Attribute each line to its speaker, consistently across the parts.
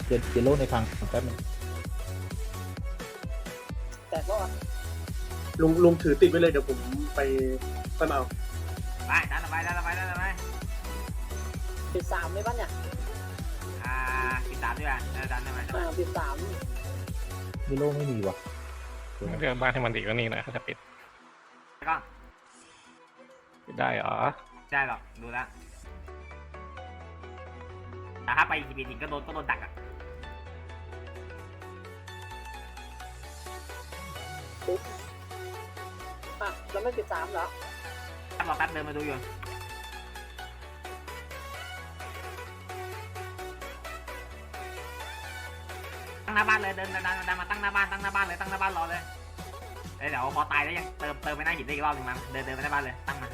Speaker 1: เจโร่ในพังแป๊บนึง
Speaker 2: แต่ก็
Speaker 3: ลุงถือติดไว้เลยเดี๋ยวผมไปเอา
Speaker 4: ไปดันไป
Speaker 2: 13เลยป่ะเนี่ย
Speaker 4: 13ด้วยดันได้ไหม
Speaker 2: 13
Speaker 1: เจโร่ไม่มีว่ะ
Speaker 5: เรื่องบ้านให้มันดีกว่านี้นะถ้าจะปิด
Speaker 4: ก็
Speaker 5: ได้เหรอ
Speaker 4: ได้หรอกดูแล้วแต่ถ้าไปอีกทีจริงก็โดนดักอ่ะ
Speaker 2: แล้วไม่13เหรอ
Speaker 4: รอแป๊บเดินมาดูอยู่ตั้งหน้าบ้านเลยเดินมาตั้งหน้าบ้านเลยตั้งหน้าบ้านรอเลยเดี๋ยวพอตายแล้วยังเติมไปหน้าหินได้อีกรอบหนึ่งมั้งเดินไปหน้าบ้านเลยตั้งมา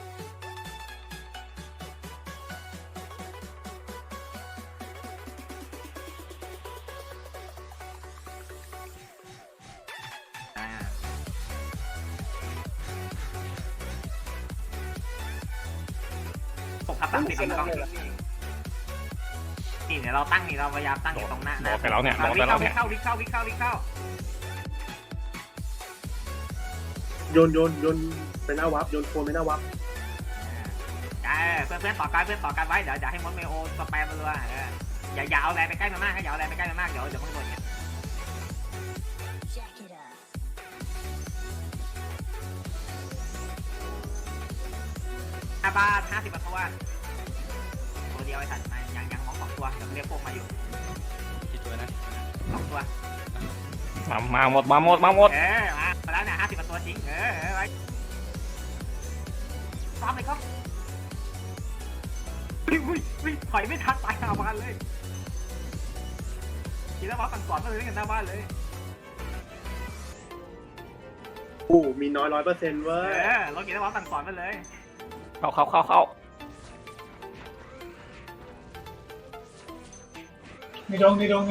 Speaker 4: ตั้งติดกล้องนี่เดี๋ยวเราตั้งนี่เราพยายามตั้งอยู่ตรงหน้า
Speaker 5: บอกไปแล้วเนี่ยบอกไปแล้วเนี่ย
Speaker 4: วิเข้า
Speaker 3: โยนไปหน้าวับโยนโคนไปหน้าวับ
Speaker 4: เพื่อนต่อกันไว้เดี๋ยวให้มดเมโอสแปมมันเลยอย่าเอาแรงไปใกล้มันมากอย่าเอาแรงไปใกล้มันมากเดี๋ยวมันโดนเนี่ยบ้าน50ตัวเดียวไอ้สัตว์ยังมอง2ตัวเดี๋ยวเรียกพวกมาอยู่กี่ตัวนะ2ตัว
Speaker 5: มาหมดมา
Speaker 4: แล้วเนี่ย50ตัวจริงไว้ซ้อมเลยครับวิ่งถอยไม่ทันตายหน้าบ้านเลยทีแล้วว่าสั่งสอนมาเลยกันหน้าบ้านเลย
Speaker 3: มีน้อย 100%เว้ย
Speaker 4: เรากินแล้วว่าสั่งสอนมาเลย
Speaker 5: เข้า
Speaker 6: ในดงไหน
Speaker 4: หมด
Speaker 6: ไหน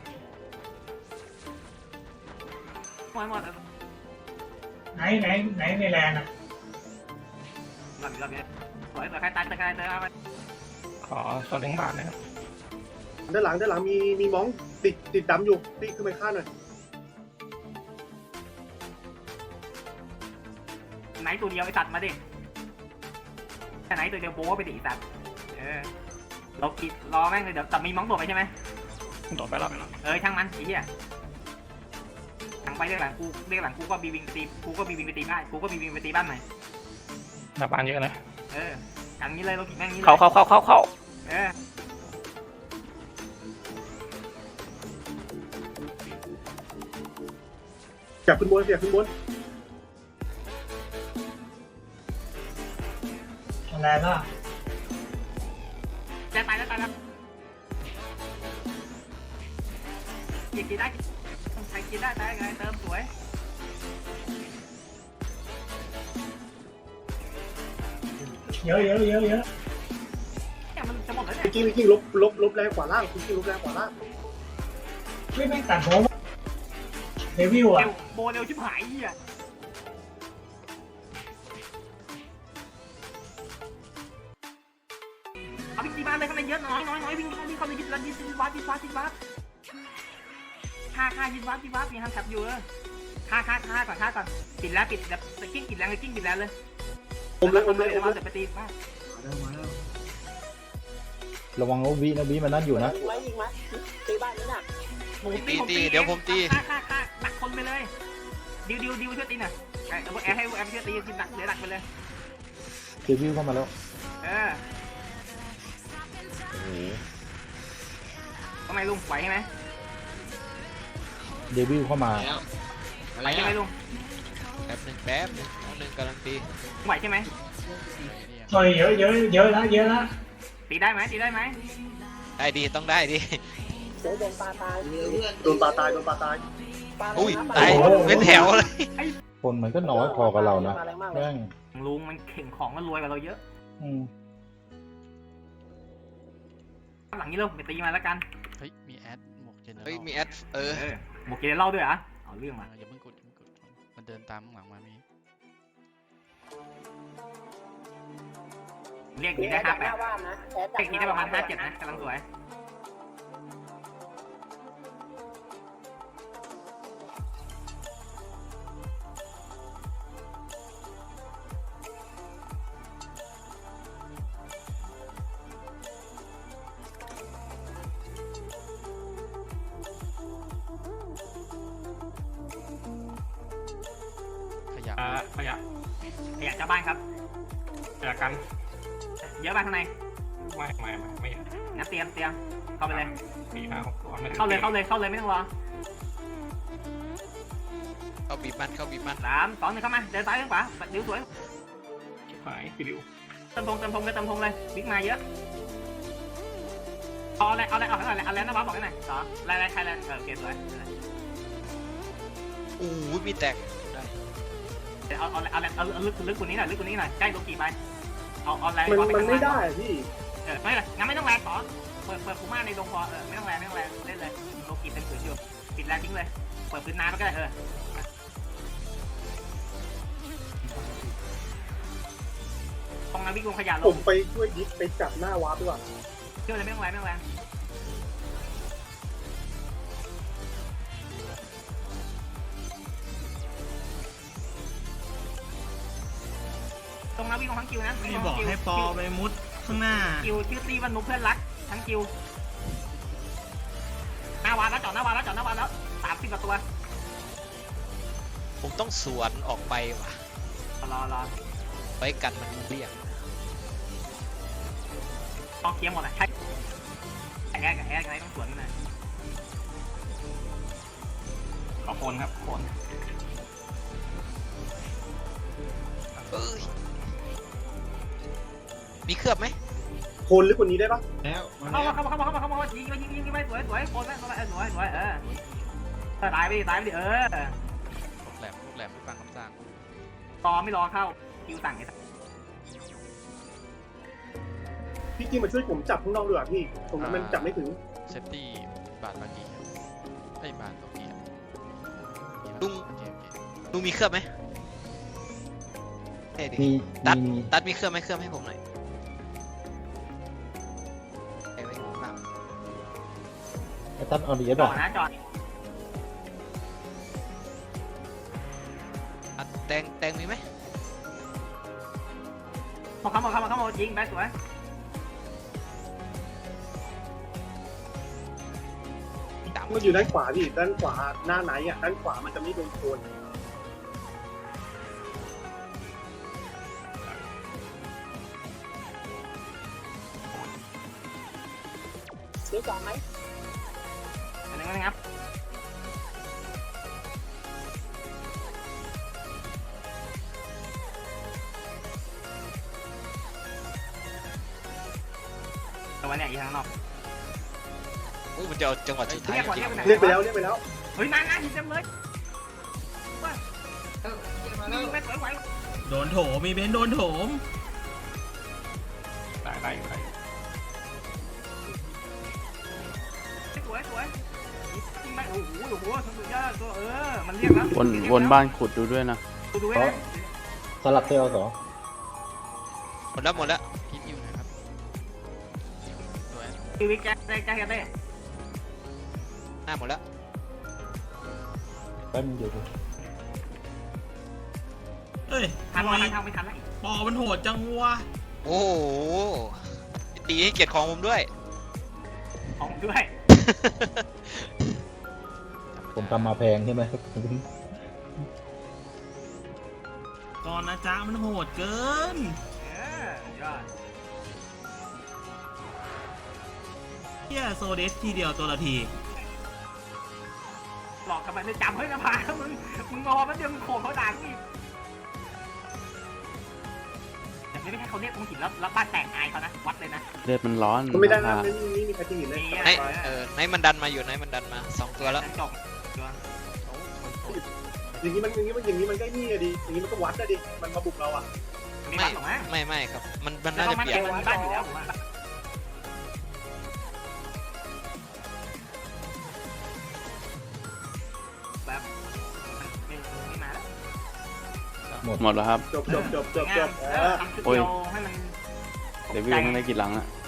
Speaker 6: ในแลนด์อ่ะ
Speaker 4: รอบนี้ถอยใครตายเติมมา
Speaker 5: ขอส่วนเลี้ยงบาทนะครับ
Speaker 3: ด้านหลังมีมองติดดำอยู่ตีขึ้นไปฆ่าหน่อย
Speaker 4: ไหนตัวเดียวไอ้สัตว์มาดิไหนตัวเดียวโบ้ไปดิไอ้สัตว์เรากินรอแม่งเลยเดี๋ยวแต่มีมองตัวไปใช่ไหม
Speaker 5: โดดไปแล้ว
Speaker 4: ช่างมันไอ้เหี้ยทางไปเรียกหลังกูก็บีวิงไปตีบ้านใหม่
Speaker 5: หน้าบ้านเยอะนะ
Speaker 4: กันนี้เลยเรากินแม่งนี้เลย
Speaker 5: เข้า
Speaker 3: อยากขึ้นบน
Speaker 6: แลนด์ล่ะ
Speaker 4: ตายแล้วกินได้ใครกินได้ตายไงเติมสวย
Speaker 6: เยอะ
Speaker 4: เนี่ยมันจะหมดแล้วเนี่ย
Speaker 3: จริงลบแรงขวาล่างลบแรงขวาล่าง
Speaker 6: ไม่ตัดผมเดวิลอ่ะ
Speaker 4: โบเร็วชิบหายเหี้ยเอาวิ่งตีบ้านเลยข้างในเยอะน้อยวิ่งเข้าไปยึดวัดฆ่ายึดวัดมีฮันแท็บอยู่ฆ่าก่อนปิดแล้วกิ้งปิดแรงเลย
Speaker 3: อมเลย
Speaker 4: เดี๋ยวไปตีบ้าน
Speaker 1: ระวังนะวิมันนั่นอยู่นะ
Speaker 2: ยิงไหมตีบ้านนี้น่ะ
Speaker 4: ตีเดี๋ยวผมตีฆ่าดักคนไปเลยดิวช่วยตีหน่อยให้แอมช่วยตีดักเดี๋ยวดักไปเลย
Speaker 1: เจวิวเข้ามาแล้ว
Speaker 4: ทำไมลุงไหวใช่ไหม
Speaker 1: เดวิลเข้ามา
Speaker 4: ไหวใช่ไหมลุง
Speaker 7: แป๊บหนึ่งกำลังตี
Speaker 4: ไหวใช่ไหม
Speaker 6: ต่อยเยอะแล้ว
Speaker 4: ตีได้ไหม
Speaker 7: ได้ดีต้องได้ดี
Speaker 2: โดนปลาตาย
Speaker 7: อุ้ยตายเป็นแถวเลย
Speaker 1: คนมันก็น้อยพอกับเรานะแม่ง
Speaker 4: ลุงมันเข่งของมันรวยกว่าเราเยอะหลังนี้เราไปตีมาแล้วกัน
Speaker 7: เฮ้ยมีแอดหมวกเจเนอเรลมีแอด
Speaker 4: หมวกเจเนอเรลด้วยอ่ะเอาเรื่องมา
Speaker 7: อย่าเพิ่งกดมันเดินตามข้างหลังมามี
Speaker 4: เรียกทีได้58เรียกทีได้ประมาณ57นะกำลังสวย
Speaker 7: ะ
Speaker 5: ขยะ
Speaker 4: ขยะเจ้าบ้านครับ
Speaker 5: ขยะกัน
Speaker 4: เยอะบ้านข้างใน
Speaker 5: ไม่
Speaker 4: งั้นเตรียมเข้าไปเลย
Speaker 5: 4 5 6ตัวไม่
Speaker 4: เข้าเลยไม่ต้องรอ
Speaker 7: เข้าบีบมันเข้าบีบมัน
Speaker 4: 3 2 1เข้ามาเดินซ้ายข้างขวาดิวสวย
Speaker 5: หายฟิลิว
Speaker 4: เติมธงเลยบิ๊กมาเยอะเอาอะไรนะบ้าบอกให้หน่อยต่ออะไรใครอะไรโอเคสวย
Speaker 7: โอ้ยมีแตกได้
Speaker 4: เอาลึกกว่านี้หน่อยใกล้โลกีไปเอาแรง
Speaker 3: มันไม่ได้พี่
Speaker 4: ไม่เลยงั้นไม่ต้องแรงต่อเปิดฟูม่าในดงพอไม่ต้องแรงเล่นเลยโลกีเต็มผืนอยู่ปิดแรงทิ้งเลยเปิดพื้นน้ำก็ได้ตรงนั้นวิ่งลงขยะล
Speaker 3: ผ
Speaker 4: ง
Speaker 3: มไปช่วยยิปไปจับหน้าวาร์ปดีกว่า
Speaker 4: เชื่อเลยไม่ต้องแรงตรงนั้นวิ่งลงทั้งคิวนะ
Speaker 6: ไม่บอกให้ปอไปมุดข้างหน้า
Speaker 4: คิวชื่อตีวันนุเพื่อนรักทั้งคิวหน้าวานแล้วจอดหน้าวานแล้ว30กว่าตัว
Speaker 7: ผมต้องสวนออกไปว่ะ
Speaker 4: รอ
Speaker 7: ไปกันมันเรียก
Speaker 4: ต้องเคลียร์หมดอ่ะใช่แอร์อะไรต้องสวนนะ
Speaker 5: ขอโคนครับโคน
Speaker 7: เอ้ยมีเคลือบไหม
Speaker 3: โคนลึกกว่านี้ได้ปะ
Speaker 6: แล้วมา
Speaker 4: เข้า
Speaker 6: แล้ว
Speaker 4: มายิงไปสวยโคนไปสวยตายไปดิ
Speaker 7: ลูกแหลมไม่ฟังคำสั่ง
Speaker 4: ไม่รอเข้าคิวสั่งไอ้
Speaker 3: พี่กิมมาช่วยผมจับข้างนอกดีกว่าพี่ผมมันจับไม่ถึง
Speaker 7: เซฟตี้บาทบากีไอ้บาทบากีลุงมีเคลือบไหมเฮ้ยดิ
Speaker 1: มี
Speaker 7: ตัดมีเคลือบไหมเคลือบให้ผมหน่อยไอ้ไว้ข้างหลัง
Speaker 1: ไอ้ตั้นเอาดี
Speaker 4: จ
Speaker 1: ป่ะ
Speaker 4: อดนะจอด
Speaker 7: อ่ะแตงมีไหม
Speaker 4: เข้ายิงไปสวย
Speaker 3: มันอยู่ด้านขวาพี่ด้านขวาหน้าไหนอ่ะด้านขวามันจะไม่โดนโคน
Speaker 2: เดี๋ยวจอดไหม
Speaker 4: อันนึงนะครับตัวเนี่ยอยู่ข้างนอก
Speaker 7: อุ้ยมันจะเอาจังหวะสุดท้าย
Speaker 4: เรียกก่อน
Speaker 7: จริง
Speaker 3: เรียกไปแล้ว
Speaker 4: เฮ้ยมาหินเต็มเลยยิงไปสวยไหว
Speaker 6: โดนโถมมีเบนซ์โดนโถม
Speaker 5: ได้อยู่
Speaker 4: สวยยิงไปโอ้โหสุดยอดตัวมันเรียกแล้ว
Speaker 8: วนบ้านขุดดูด้วยนะ
Speaker 4: ดูไว้นะ
Speaker 1: สลับเซลล์สอง
Speaker 7: หมดแล้วคิดอยู่นะครับสวย
Speaker 4: ชีวิตแจ๊ได้
Speaker 7: หน้าหมดแล้ว
Speaker 1: แป๊บนึงเดี๋ยว
Speaker 6: เอ้ย
Speaker 4: ทัน
Speaker 6: ทำไม
Speaker 4: ไม่ทันแล้ว
Speaker 6: ปอมันโหดจังวะ
Speaker 7: โอ้โหตีให้เกียรติของผมด้วย
Speaker 4: ของด้วย
Speaker 1: ผมทำมาแพงใช่ไหม
Speaker 6: ตอนนะจ๊ะมันโหดเกิน
Speaker 4: ยอด
Speaker 6: เฮียโซเดสทีเดียวตัวละที
Speaker 4: หลอกกันไปไม่จำเฮ้ยนะพามึงงอมันเดี๋ยวมึงโขกเขาด่ากูอีกแต่ไม่ใช่เขาเรียกตรงหินแล้วบ้านแตกอายเขานะวัดเลยนะ
Speaker 8: เลือดมันร้อน
Speaker 3: มันไม่ได้นะ
Speaker 8: ราคา
Speaker 3: นี่มีใครที่เห็นเลย
Speaker 7: ไหนมันดันมาอยู่ไหนมันดันมา2ตัวแล้ว
Speaker 4: จบ
Speaker 3: อย่างนี้มันก็นี่อะดิอย่างนี้มันก็วัดอะดิมันมาบุกเราอ่ะ
Speaker 4: มีบ้านหรอไหม
Speaker 7: ไม่ครับมันน่า
Speaker 4: ต้อ
Speaker 7: จะ
Speaker 4: งมา
Speaker 7: เปลี่ย
Speaker 4: เก็
Speaker 7: น
Speaker 4: บมีบ้านอยู่แล้วผมว่าแบบไม่มาแล้ว
Speaker 8: หมดแล้วครับ
Speaker 3: จบ
Speaker 4: ทำจุดเดียวให้มัน
Speaker 8: เดวิลไม่ได้กี่หลังอะ